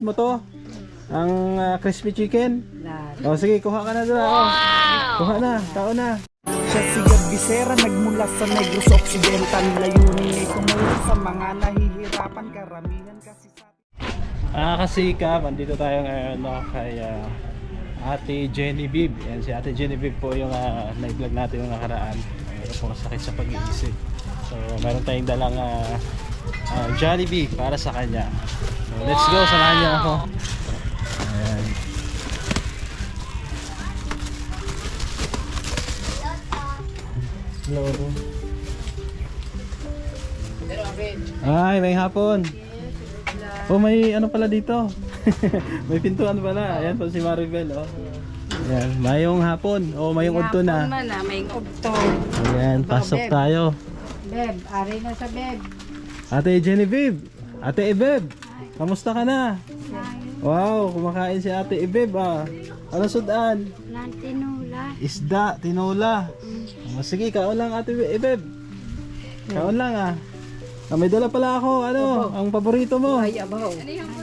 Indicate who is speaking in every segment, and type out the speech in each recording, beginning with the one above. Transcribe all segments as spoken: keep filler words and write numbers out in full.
Speaker 1: mo to? Ang uh, crispy chicken? O sige, kuha ka na doon. Wow! Kuha na, tao na.
Speaker 2: Siya si Gab Visera, nagmula sa Negros Occidental. Layunin ay tumulong sa mga nahihirapan, karamihan kasi sa...
Speaker 1: Ah, kasikap, andito tayo ngayon no, kay uh, Ate Genevieve. Yan, si Ate Genevieve po yung uh, na-vlog natin yung nakaraan. Mayroon pong sakit sa pag-iisip. So, meron tayong dalang uh, uh, Jollibee para sa kanya. So, let's go, samahan niyo ako. Ayan. Hello. Ay, may hapon. Oh, may ano pala dito. May pintuan pala. Ayan po si Maribel, oh. Ayan, mayong hapon. Oh, mayong udto na.
Speaker 3: Man, ah, may udto.
Speaker 1: Ayan, pasok tayo.
Speaker 3: Beb, ari na sa beb.
Speaker 1: Ate Genevieve. Ate Ebeb. Kamusta ka na? Wow, kumakain si Ate Ebeb, ah. Ano sudan?
Speaker 3: Lantinula.
Speaker 1: Isda, tinola. Oh, sige, kaon lang Ate Ebeb. Kaon lang, ah. Ah, may dala pala ako, ano, ang paborito mo.
Speaker 3: Ay, abaw.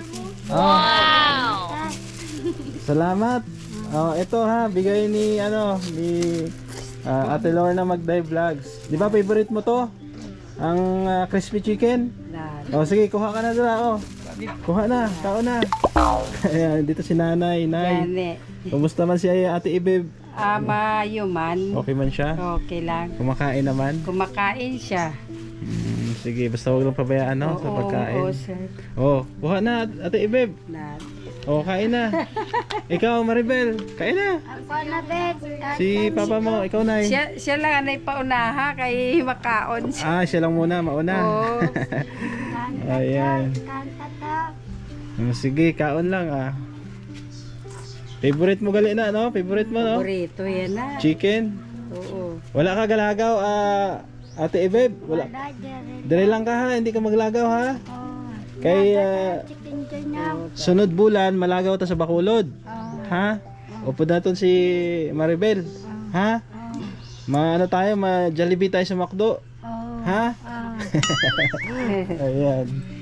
Speaker 1: Wow! Salamat. Oh, ito ha, bigay ni ano, ni uh, Ate Lorna Magday Vlogs. 'Di ba favorite mo 'to? Ang uh, crispy chicken? Oh, sige, kuha ka na doon, oh. Kuha na, tao na. Ayan, dito si Nanay, Nay.
Speaker 3: Gani.
Speaker 1: Kumusta man si Ate Ibeb?
Speaker 3: Ama, yuman.
Speaker 1: Okay man siya?
Speaker 3: Okay lang.
Speaker 1: Kumakain naman?
Speaker 3: Kumakain siya.
Speaker 1: Hmm, sige, basta huwag lang pabayaan no, sa pagkain.
Speaker 3: Oo, sir.
Speaker 1: Oh, kuha na Ate Ibeb.
Speaker 3: Na.
Speaker 1: Oh, kain na. Ikaw, Maribel, kain na.
Speaker 3: Ako na, beb.
Speaker 1: Si papa mo, ikaw na.
Speaker 3: Siya, siya lang anay paunaha kay makaon siya.
Speaker 1: Ah, siya lang muna, mauna.
Speaker 3: Oo.
Speaker 1: Ayan. Oh, sige, kaon lang ah. Favorite mo gali na, no? Favorite mo, no?
Speaker 3: Burrito yan na.
Speaker 1: Chicken.
Speaker 3: Oo.
Speaker 1: Wala ka galagaw, ah, Ate Ebeb? Wala. Dire lang ka ha, hindi ka maglagaw ha. Kay ah, sunod bulan, malagaw ta sa Bacolod. Ha? Upo natin si Maribel. Ha? Ma ano tayo, ma Jollibee tayo sa McDo. Ha? Ayan.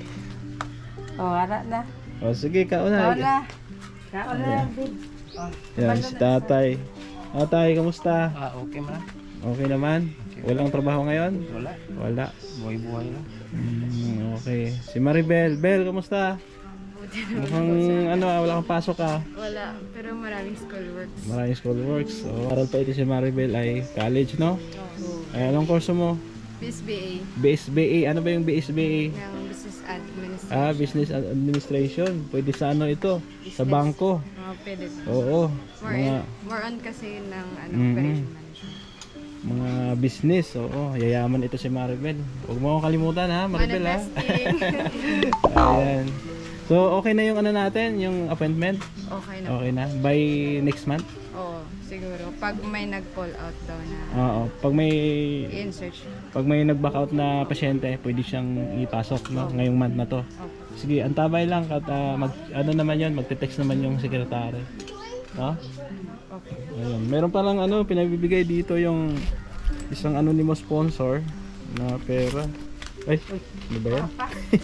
Speaker 3: Oh, ara na.
Speaker 1: O sige, kaon
Speaker 3: Oo
Speaker 1: na.
Speaker 3: na. Kaon na, beb.
Speaker 1: Yan, si tatay. Tatay, kamusta?
Speaker 4: Ah, okay man.
Speaker 1: Okay naman? Walang trabaho ngayon?
Speaker 4: Wala.
Speaker 1: Wala.
Speaker 4: Buhay-buhay lang.
Speaker 1: Mm, okay. Si Maribel. Bel, kamusta? Mukhang ano, ah, wala kang pasok ah.
Speaker 5: Wala, pero maraming school works.
Speaker 1: Maraming school works. So, aral pa ito si Maribel ay college, no? Ay, anong kurso mo?
Speaker 5: B S B A
Speaker 1: B S B A. Ano ba yung B S B A?
Speaker 5: ng Business Administration.
Speaker 1: Ah, Business Administration. Pwede sa ano ito? Sa bangko.
Speaker 5: Mga pwede.
Speaker 1: Oo.
Speaker 5: More,
Speaker 1: Mga,
Speaker 5: in, more on kasi ng ano,
Speaker 1: Mhm.
Speaker 5: operation management.
Speaker 1: mga business. Oo. Yayaman ito si Maribel. Huwag mo akong kalimutan ha, Maribel ha.
Speaker 5: Manifesting.
Speaker 1: Ayan. So, okay na yung ano natin, yung appointment?
Speaker 5: Okay na.
Speaker 1: Okay na. By next month?
Speaker 5: Oo, siguro. Pag may nag-call out daw na
Speaker 1: Oo. Pag may
Speaker 5: i-insert siya.
Speaker 1: pag may nag-back out na pasyente, pwede siyang ipasok no, ngayong month na to.
Speaker 5: Okay.
Speaker 1: Sige, antabay lang at ah, mag ano naman 'yon, magte-text naman yung sekretary. No?
Speaker 5: Okay.
Speaker 1: Ayun. Meron pa lang ano, pinagbibigay dito yung isang anonymous sponsor na pera. Ay, ano ba yan?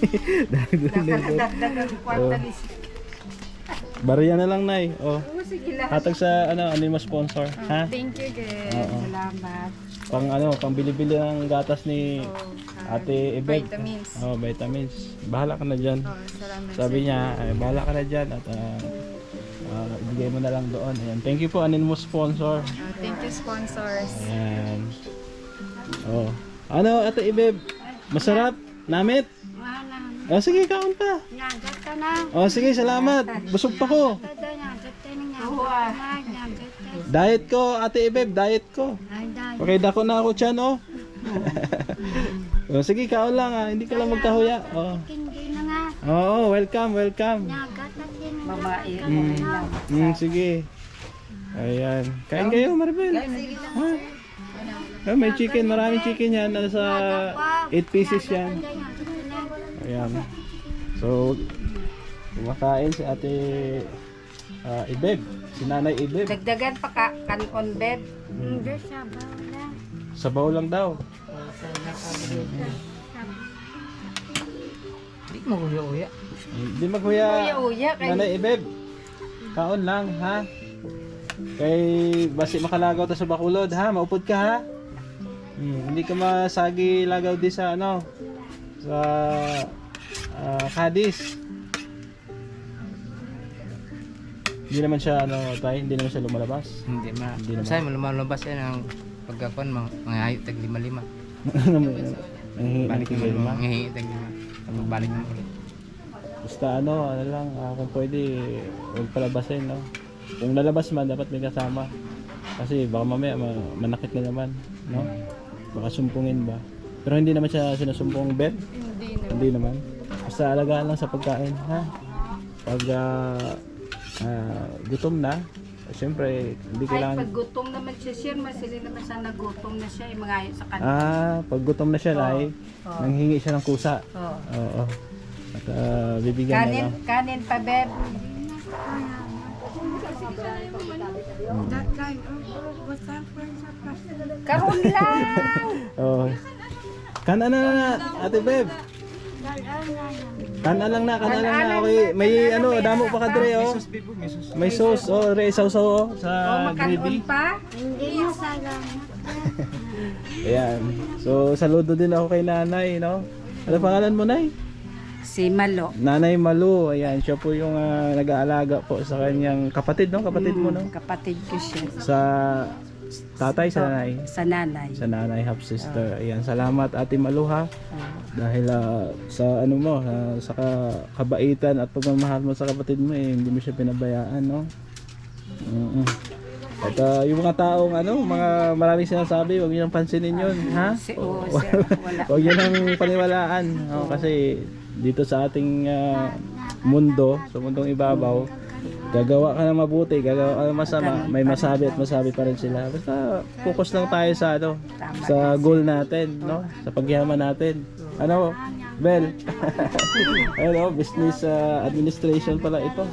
Speaker 3: Dagdagan kwarta ni
Speaker 1: Bariya na lang, Nay. Oh.
Speaker 3: Oo, sige lang.
Speaker 1: Hatag sa ano, anonymous sponsor, ha?
Speaker 5: Thank you, guys.
Speaker 1: Oo.
Speaker 3: Salamat.
Speaker 1: Pang ano, pang bili-bili ng gatas ni
Speaker 5: Oh,
Speaker 1: Ate Ebeb.
Speaker 5: vitamins.
Speaker 1: Oh, vitamins. Bahala ka na diyan.
Speaker 5: Oh, salamat.
Speaker 1: Sabi
Speaker 5: sir.
Speaker 1: niya, ay, bahala ka na diyan at ah, ah, ibigay mo na lang doon. Ayan. Thank you po anonymous sponsor.
Speaker 5: Oh, thank you, sponsors.
Speaker 1: Ayan. Oh. Ano, Ate Ebeb? Masarap? Namit?
Speaker 3: Wala.
Speaker 1: Oh, sige, kaon pa.
Speaker 3: Nyagat ka na.
Speaker 1: Oh, sige, salamat. Busog pa ko.
Speaker 3: Kada nyagat ka na nga. Nyagat ka.
Speaker 1: Diet ko, Ate Ebeb, diet ko.
Speaker 3: Ay, dahil.
Speaker 1: Okay, dako na ako dyan, oh. Oh, sige, kaon lang, ah. Hindi ka lang magkahuya. Oh.
Speaker 3: Hindi na nga.
Speaker 1: Oo, welcome, welcome.
Speaker 3: Nyagat ka din. Babae.
Speaker 1: Mm. Mm, sige. Ayan. Kain kayo, Maribel. Ha? Ah, may chicken, maraming chicken yan. Nasa eight pieces yan. Ayan. So, kumakain si Ate ah, Ibeb. Si Nanay Ibeb.
Speaker 3: Dagdagan pa ka kanon, beb.
Speaker 1: Mm.
Speaker 3: sa bawla.
Speaker 1: Sabaw lang daw.
Speaker 4: Di mo uya-uya.
Speaker 1: Hindi maghuya.
Speaker 3: Uya-uya kay-
Speaker 1: Nanay Ibeb. Kaon lang, ha? Kay basi makalagaw ta sa Bacolod, ha? Maupod ka, ha? Hmm, hindi ka masagi lagaw di sa ano sa ah, Cadiz. Hindi naman siya ano, tay, hindi naman siya lumalabas.
Speaker 4: Hindi ma.
Speaker 1: Hindi naman.
Speaker 4: Say lumalabas yan ang pagkakon mga mga hayop tag lima-lima.
Speaker 1: Nanghihingi
Speaker 4: Balik
Speaker 1: ng tigil, ma.
Speaker 4: mo, ngihingi tag lima. Tapos balik mo ulit.
Speaker 1: Basta ano, ano lang, ah, kung pwede, huwag palabasin, no? Kung lalabas man, dapat may kasama. Kasi baka mamaya ma- manakit na naman, no? Baka sumpungin ba? Pero hindi naman siya sinusumpong bed?
Speaker 3: Hindi na.
Speaker 1: Hindi naman. Basta alagaan lang sa pagkain, ha? Pag ah, ah, gutom na, siyempre, hindi
Speaker 3: Ay,
Speaker 1: kailangan...
Speaker 3: pag gutom naman siya, sir, masili naman siya nagutom na siya, yung mga ayaw sa kanya.
Speaker 1: Ah, pag gutom na siya, Nay,
Speaker 3: Oo.
Speaker 1: nanghingi siya ng kusa.
Speaker 3: Oo.
Speaker 1: Oo. At ah, bibigyan na
Speaker 3: Kanin,
Speaker 1: lang.
Speaker 3: kanin pa, beb.
Speaker 5: That guy, oh, what's that friend sa plastic?
Speaker 3: Karon lang!
Speaker 1: Oh. Kana na na, Ate Beb. Kana lang na, kana lang na. Okay, may ano, damo pa ka dre oh. May sauce oh, re sausaw oh
Speaker 3: O,
Speaker 1: sa
Speaker 3: makanon
Speaker 1: gravy.
Speaker 3: pa?
Speaker 1: Ayan. So saludo din ako kay Nanay, no. Ano pangalan mo, Nay?
Speaker 3: Si Malo.
Speaker 1: Nanay Malu. Ayan, siya po yung ah, nag-aalaga po sa kanyang kapatid, no? Kapatid mo, no?
Speaker 3: Kapatid ko siya.
Speaker 1: Sa tatay, sa nanay.
Speaker 3: Sa nanay.
Speaker 1: Sa nanay, half sister. Ayan, salamat Ate Malu, ha. Dahil ah, sa ano mo, ah, sa ka- kabaitan at pagmamahal mo sa kapatid mo, eh, hindi mo siya pinabayaan, no? Mm-mm. At ah, yung mga taong ano, mga maraming sinasabi, huwag niyo nang pansinin yun, ha?
Speaker 3: Si, oo, sir. Wala.
Speaker 1: Huwag niyo nang paniwalaan, no? Kasi dito sa ating ah, mundo, sa mundong ibabaw, gagawa ka ng mabuti, gagawa ka ng masama, may masabi at masabi pa rin sila. Basta focus lang tayo sa ano, sa goal natin, no? Sa pagyaman natin. Ano, Bel? Ano, business ah, administration pala ito.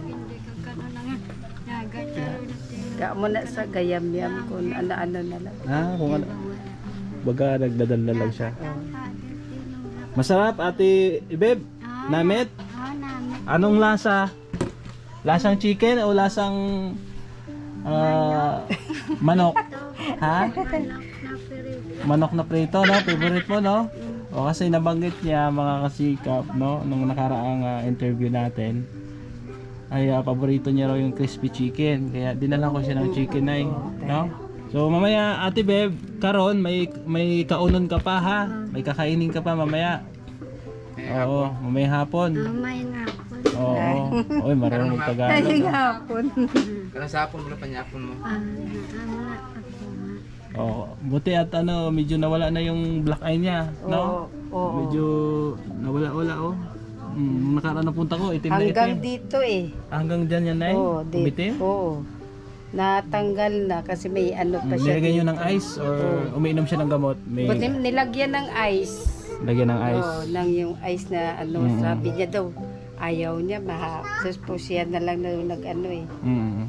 Speaker 3: Ga mo na sa gayam-yam kung ano-ano na lang.
Speaker 1: Ah, kung ano. Baga nagdadala lang siya. Masarap, Ate Beb. Namit? Anong lasa? Lasang chicken o lasang ah, manok? Ha? Manok na prito, no? Favorite mo, no? O kasi nabanggit niya mga kasikap, no? Nung nakaraang ah, interview natin ay ah, paborito niya raw yung crispy chicken. Kaya dinala ko siya ng chicken ay, no? So mamaya Ate Beb, karon may may kaunon ka pa ha. May kakainin ka pa mamaya. Oo, mamaya hapon.
Speaker 6: Mamay nga po.
Speaker 1: Oo. Oy, marunong magtagalog.
Speaker 3: Ay,
Speaker 1: no?
Speaker 3: hapon.
Speaker 4: Karon sa hapon mo panyapon mo.
Speaker 6: Ah, ano ako nga.
Speaker 1: Oo, buti at ano, medyo nawala na yung black eye niya, no?
Speaker 3: Oo, oo.
Speaker 1: Medyo nawala-wala oh. Mm, nakaraan na punta ko, itim na
Speaker 3: Hanggang
Speaker 1: itim.
Speaker 3: dito eh.
Speaker 1: Hanggang dyan yan ay,
Speaker 3: Oo, di-
Speaker 1: umitim?
Speaker 3: Oo. Natanggal na kasi may ano pa
Speaker 1: Mm,
Speaker 3: siya.
Speaker 1: nilagyan nyo ng ice or umiinom siya ng gamot? May
Speaker 3: Buti nilagyan ng ice.
Speaker 1: lagyan ng ice.
Speaker 3: Oo, nang yung ice na ano,
Speaker 1: Mm.
Speaker 3: sabi niya daw, ayaw niya, maha. Tapos po siya na lang na nag ano eh.
Speaker 1: Mm.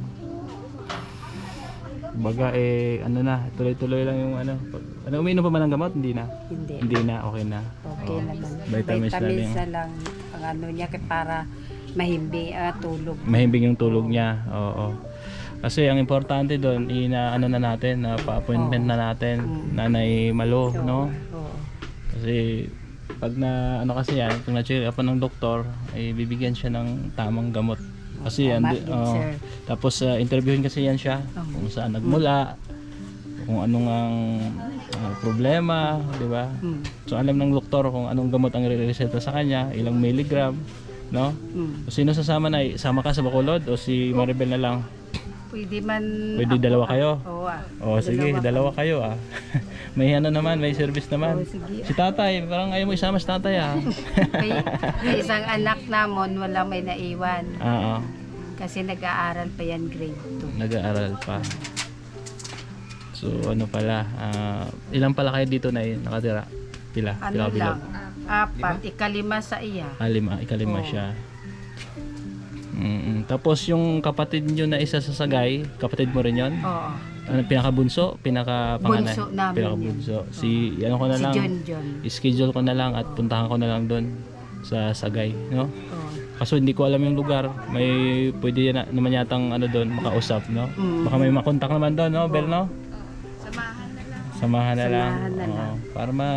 Speaker 1: Baga eh ano na, tuloy-tuloy lang yung ano. Pag, ano umiinom pa ba ng gamot? Hindi na.
Speaker 3: Hindi.
Speaker 1: Hindi na, okay na.
Speaker 3: Okay naman.
Speaker 1: Vitamins na lang.
Speaker 3: na lang. Ang ano niya kay para mahimbi ah, tulog.
Speaker 1: Mahimbing yung tulog niya. Oo. Kasi ang importante doon, ina ano na natin, na pa-appointment na natin, Nanay Malo, no?
Speaker 3: Oo.
Speaker 1: Kasi pag na ano kasi yan, pag na-check up ng doktor, ay bibigyan siya ng tamang gamot. Kasi
Speaker 3: Tama
Speaker 1: andi-
Speaker 3: din,
Speaker 1: oo.
Speaker 3: sir.
Speaker 1: Tapos uh, interviewin kasi yan siya kung saan nagmula, kung anong ang ah, problema, di ba?
Speaker 3: Mm.
Speaker 1: So alam ng doktor kung anong gamot ang i-reseta sa kanya, ilang milligram, no?
Speaker 3: Mm.
Speaker 1: O sino sasama na, sama ka sa Bacolod o si Maribel na lang?
Speaker 3: Pwede man
Speaker 1: Pwede dalawa kayo?
Speaker 3: Oo ah.
Speaker 1: O sige, dalawa kayo ah. May ano naman, may service naman.
Speaker 3: Oo, sige.
Speaker 1: Si tatay, parang ayaw mo isama si tatay ah.
Speaker 3: May, may isang anak namon wala may naiwan
Speaker 1: Oo,
Speaker 3: kasi nag-aaral pa yan grade two.
Speaker 1: nag-aaral pa. So ano pala, ah, ilan pala kayo dito na yun, nakatira? Pila?
Speaker 3: Ano
Speaker 1: Pila
Speaker 3: lang, apat, ikalima sa iya.
Speaker 1: Ah, lima, ikalima siya. Mm, tapos yung kapatid nyo na isa sa Sagay, kapatid mo rin yon?
Speaker 3: Oo.
Speaker 1: Ano, pinaka-bunso? Pinaka-panganay?
Speaker 3: Bunso namin
Speaker 1: Pinaka-bunso. Si, ano ko na
Speaker 3: Si
Speaker 1: lang,
Speaker 3: John John.
Speaker 1: schedule ko na lang at puntahan ko na lang doon sa Sagay, no?
Speaker 3: Oo.
Speaker 1: Kaso hindi ko alam yung lugar. May pwede na, naman yatang ano doon makausap, no? Baka may makontak naman doon, no, Bel, no?
Speaker 5: Samahan na lang.
Speaker 1: Samahan na lang.
Speaker 3: Samahan na
Speaker 1: Oo.
Speaker 3: lang.
Speaker 1: Para ma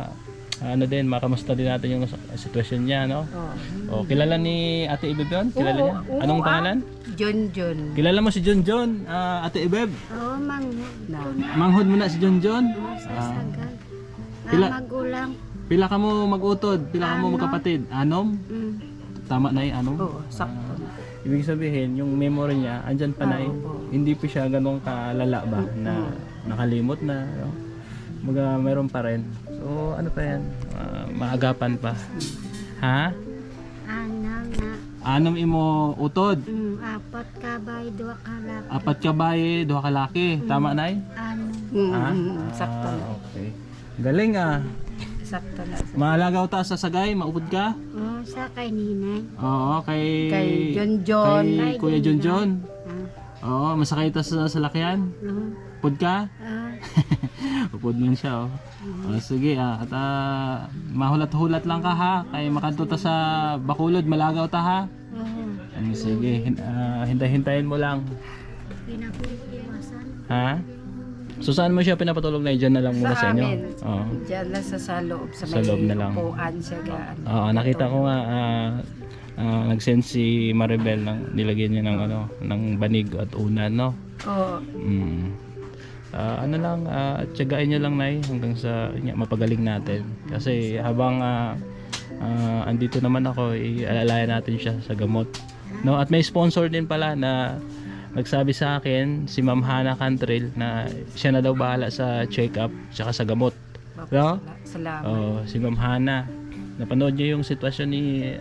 Speaker 1: ano din, makamusta din natin yung sitwasyon niya, no?
Speaker 3: Oh.
Speaker 1: Oh, kilala ni Ate Ibeb yun? Kilala
Speaker 3: Oo,
Speaker 1: niya?
Speaker 3: oo,
Speaker 1: Anong
Speaker 3: ah.
Speaker 1: pangalan?
Speaker 3: John John.
Speaker 1: Kilala mo si John John, ah, Ate Ibeb?
Speaker 6: Oo, mang
Speaker 3: Na.
Speaker 1: Manghod mo na si John John? Ah,
Speaker 6: sasagal.
Speaker 1: Pila-
Speaker 6: Mga magulang.
Speaker 1: pila ka mo mag-utod? Pila ka mo
Speaker 6: Ano?
Speaker 1: magkapatid? Anom?
Speaker 6: Mm.
Speaker 1: Tama na yung anom?
Speaker 3: Oo, sakto.
Speaker 1: Ibig sabihin, yung memory niya, andyan pa na eh. Hindi pa siya ganun kalala ba na nakalimot na. No? Mga meron pa rin. So, ano pa yan? Ah, maagapan pa. Ha?
Speaker 6: Ano na.
Speaker 1: Anom imo utod.
Speaker 6: Mm, apat ka ba, dua ka lang.
Speaker 1: Apat ka baye, duha ka laki. Tama na eh?
Speaker 6: Ano.
Speaker 3: Mm,
Speaker 1: Ha?
Speaker 3: mm, sakto na.
Speaker 1: Ah, okay. Galing ah.
Speaker 3: Sakto na.
Speaker 1: Maalagaw ta sa sagay, maupod ka?
Speaker 6: Oo, sa kay ninay.
Speaker 1: Oo, kay...
Speaker 3: Kay John John.
Speaker 1: Kay Kuya John John.
Speaker 6: Ah,
Speaker 1: Oo, masakay ta sa salakyan.
Speaker 6: oo.
Speaker 1: Upod ka?
Speaker 6: Ah,
Speaker 1: Upod man siya, oh. Oh, sige, ah. At ah, mahulat-hulat lang ka, ha? Kay makanto ta sa Bacolod, malagaw ta, ha?
Speaker 6: oo.
Speaker 1: Ano, sige, hin- ah, hintay-hintayin mo lang.
Speaker 6: Pinakuliwasan.
Speaker 1: Ha? So, saan mo siya pinapatulog na? Diyan na lang muna sa,
Speaker 3: Sa
Speaker 1: inyo?
Speaker 3: amin.
Speaker 1: Oo.
Speaker 3: Diyan lang sa, sa loob. Sa,
Speaker 1: Sa
Speaker 3: may
Speaker 1: loob na lang.
Speaker 3: upuan siya. Gaan.
Speaker 1: Oo, nakita ko nga, ah, ah, nag-send si Maribel ng nilagyan niya ng ano, ng banig at unan, no?
Speaker 3: Oo.
Speaker 1: Mm. Ah, ano lang, uh, tiyagain nyo lang, Nay, hanggang sa yun nga, mapagaling natin. Kasi habang ah, ah, andito naman ako, ialalayan natin siya sa gamot. No? At may sponsor din pala na nagsabi sa akin, si Ma'am Hana Cantrell, na siya na daw bahala sa check-up tsaka sa gamot. No?
Speaker 3: Salamat.
Speaker 1: Oh, si Ma'am Hana. Napanood niyo yung sitwasyon ni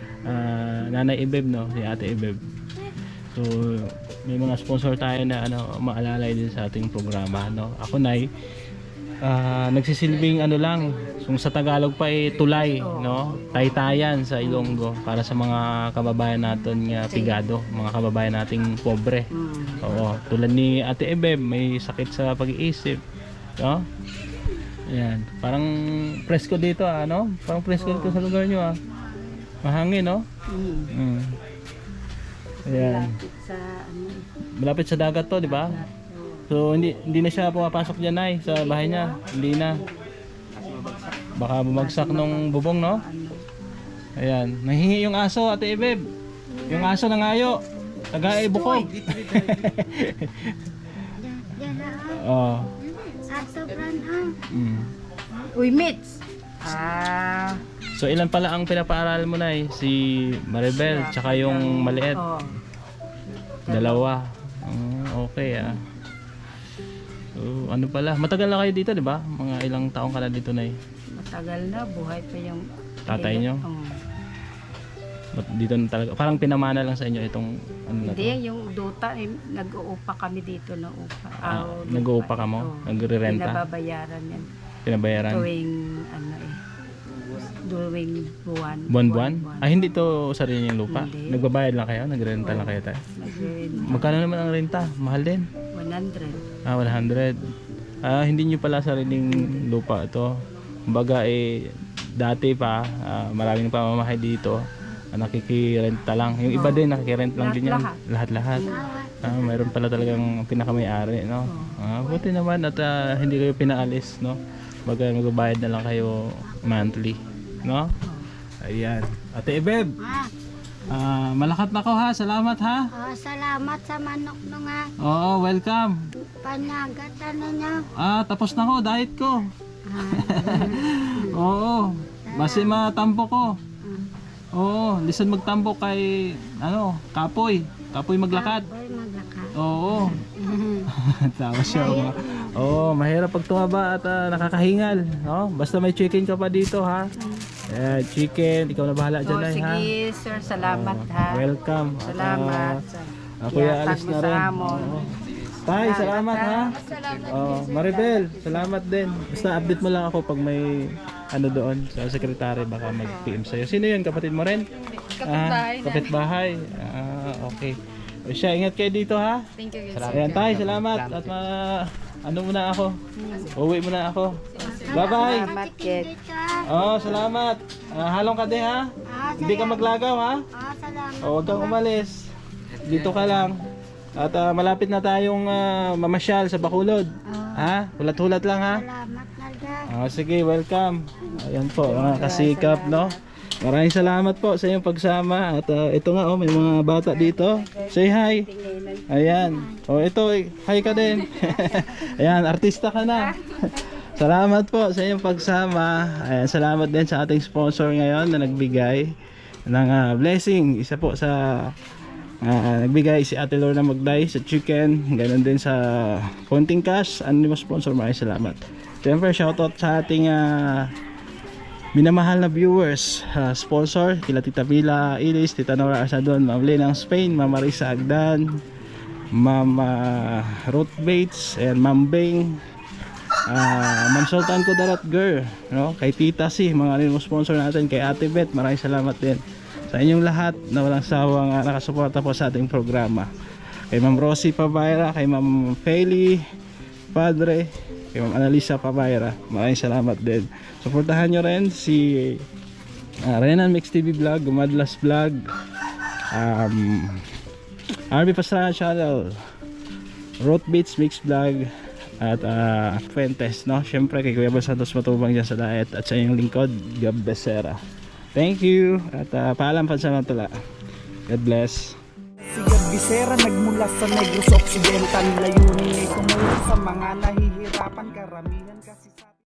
Speaker 1: ah, Nanay Ibeb, no? Si Ate Ibeb. So, may mga sponsor tayo na ano, maalalay din sa ating programa, no? Ako, Nay, ah, nagsisilbing ano lang, kung sa Tagalog pa eh, tulay, no? Taytayan sa Ilonggo para sa mga kababayan natin nga pigado, mga kababayan nating pobre.
Speaker 3: Mm.
Speaker 1: Oo, tulad ni Ate Ebeb, may sakit sa pag-iisip, no? Ayan, parang presko dito, ah, no? Parang presko dito sa lugar nyo, ah. Mahangin, no?
Speaker 3: Mm.
Speaker 1: Mm. Ayan.
Speaker 3: Lapit sa ano.
Speaker 1: Malapit sa dagat to, di ba? So hindi hindi na siya pumapasok diyan, Nay, sa bahay niya. Hindi na. Baka bumagsak nung bubong, no? Ayan, nahingi yung aso, Ate Ibeb. Yung aso nangayo. Taga Bukog.
Speaker 6: Diyan na.
Speaker 1: Oh.
Speaker 6: Sa sobrang ah.
Speaker 1: Mm.
Speaker 3: Uy, Mitz! Ah.
Speaker 1: So ilan pala ang pinapaaral mo, Nay? Si Maribel, tsaka yung maliit.
Speaker 3: Oo.
Speaker 1: Dalawa. Mm, okay, ah. So, ano pala? Matagal na kayo dito, di ba? Mga ilang taong ka na dito, Nay?
Speaker 3: Matagal na. Buhay pa yung...
Speaker 1: Tatay niyo?
Speaker 3: Oo.
Speaker 1: Ba't dito na talaga? Parang pinamana lang sa inyo itong ano na to?
Speaker 3: Hindi, yung duta, eh, nag-uupa kami dito na upa.
Speaker 1: Ah,
Speaker 3: Ah,
Speaker 1: nag-uupa ka mo?
Speaker 3: Oo.
Speaker 1: Nagre-renta?
Speaker 3: Pinababayaran yan.
Speaker 1: Pinabayaran?
Speaker 3: Tuwing, ano eh, tuwing buwan.
Speaker 1: Buwan-buwan? Ah, hindi to sarili niyong lupa?
Speaker 3: Hindi.
Speaker 1: Nagbabayad lang kayo? Nagrenta lang kayo tayo?
Speaker 3: Nag-rent.
Speaker 1: Magkano naman ang renta? Mahal din?
Speaker 3: one hundred.
Speaker 1: Ah, one hundred. Ah, hindi nyo pala sariling lupa ito. Kumbaga eh, dati pa, ah, maraming pamamahay dito. Ah, nakikirenta lang. Yung iba din, nakikirent lang din yan.
Speaker 3: Lahat-lahat.
Speaker 1: Lahat-lahat. Ah, mayroon pala talagang pinakamay-ari, no? Ah, buti naman at ah, hindi kayo pinaalis, no? Baga magbabayad na lang kayo monthly, no? Ayan. Ate Ibeb,
Speaker 6: Ah,
Speaker 1: ah, malakat na ko, ha? Salamat, ha?
Speaker 6: oh, salamat sa manok no nga.
Speaker 1: Oo, welcome.
Speaker 6: Panyagatan ninyo.
Speaker 1: Ah, tapos na ko, diet ko.
Speaker 6: Ah,
Speaker 1: Oo, base matampo ko. Oo, lisan magtampo kay, ano, kapoy. Kapoy maglakad.
Speaker 6: boy maglakad.
Speaker 1: Oo. Tawa siya. oh. Oo, mahirap pag tumaba at ah, nakakahingal. No? Basta may chicken ka pa dito, ha? Eh, chicken, ikaw na bahala dyan,
Speaker 3: So,
Speaker 1: Nay, ha?
Speaker 3: sige, sir, salamat ha.
Speaker 1: Welcome. At,
Speaker 3: Salamat.
Speaker 1: ah, ako ya alis na rin.
Speaker 3: Salamat.
Speaker 1: Oo. Tay, salamat, ha? Oh, Maribel, salamat din. Basta update mo lang ako pag may ano doon sa sekretary, baka mag-P M sa'yo. Sino yun? Kapatid mo rin? Kapitbahay. Ah, kapitbahay. Ah, okay. O siya, ingat kayo dito, ha?
Speaker 5: Thank you, guys.
Speaker 1: Salamat. Ayan, Tay, salamat. At ma ano muna ako. Uwi muna ako. Bye-bye.
Speaker 3: Salamat, Kit.
Speaker 6: Dito.
Speaker 1: Oh, salamat. Ah, halong ka din, ha?
Speaker 6: Ah,
Speaker 1: Hindi ka maglagaw, ha?
Speaker 6: ah, salamat.
Speaker 1: O, huwag kang umalis. Dito ka lang. At ah, malapit na tayong ah, mamasyal sa Bacolod. Ha? Hulat-hulat lang ha.
Speaker 6: Salamat na dyan.
Speaker 1: Ah, sige, welcome. Ayan po, mga kasikap, no? Maraming salamat po sa inyong pagsama. At ah, ito nga, oh, may mga bata dito. Say hi. Ayan. O, ito, eh, hi ka din. Ayan, artista ka na. Salamat po sa inyong pagsama. Ayan, salamat din sa ating sponsor ngayon na nagbigay ng ah, blessing. Isa po sa ah, nagbigay si Ate Lorna Magday sa chicken. Ganon din sa konting cash. Ano mo sponsor, maraming salamat. Siyempre, shoutout sa ating ah, minamahal na viewers, uh, sponsor, kila Tita Mila Ilis, Tita Nora Asadon, Ma'am Lenang Spain, Ma'am Marisa Agdan, Ma'am uh, Ruth Bates, and Ma'am Bing, uh, Ma'am Sultan Kudarat Girl, no? Kay Tita Si, mga rin mo sponsor natin, kay Ate Beth, maraming salamat din sa inyong lahat na walang sawang uh, nakasuporta po sa ating programa. Kay Ma'am Rosie Pabayra, kay Ma'am Feli Padre, kay Ma'am Analisa Pabayra, maraming salamat din. Suportahan nyo rin si uh, Renan Mix T V Vlog, Gumadlas Vlog, um, R B Pastrana Channel, Road Beats Mix Vlog, at uh, Fuentes, no? Siyempre kay Kuya Bal Santos Matubang dyan sa diet, at sa inyong lingkod, Gab Becerra. Thank you, at uh, paalam pansamantala. God bless.
Speaker 2: Si Gab Becerra nagmula sa Negros Occidental, layunin ay tumulong sa mga nahihirapan, karamihan kasi sa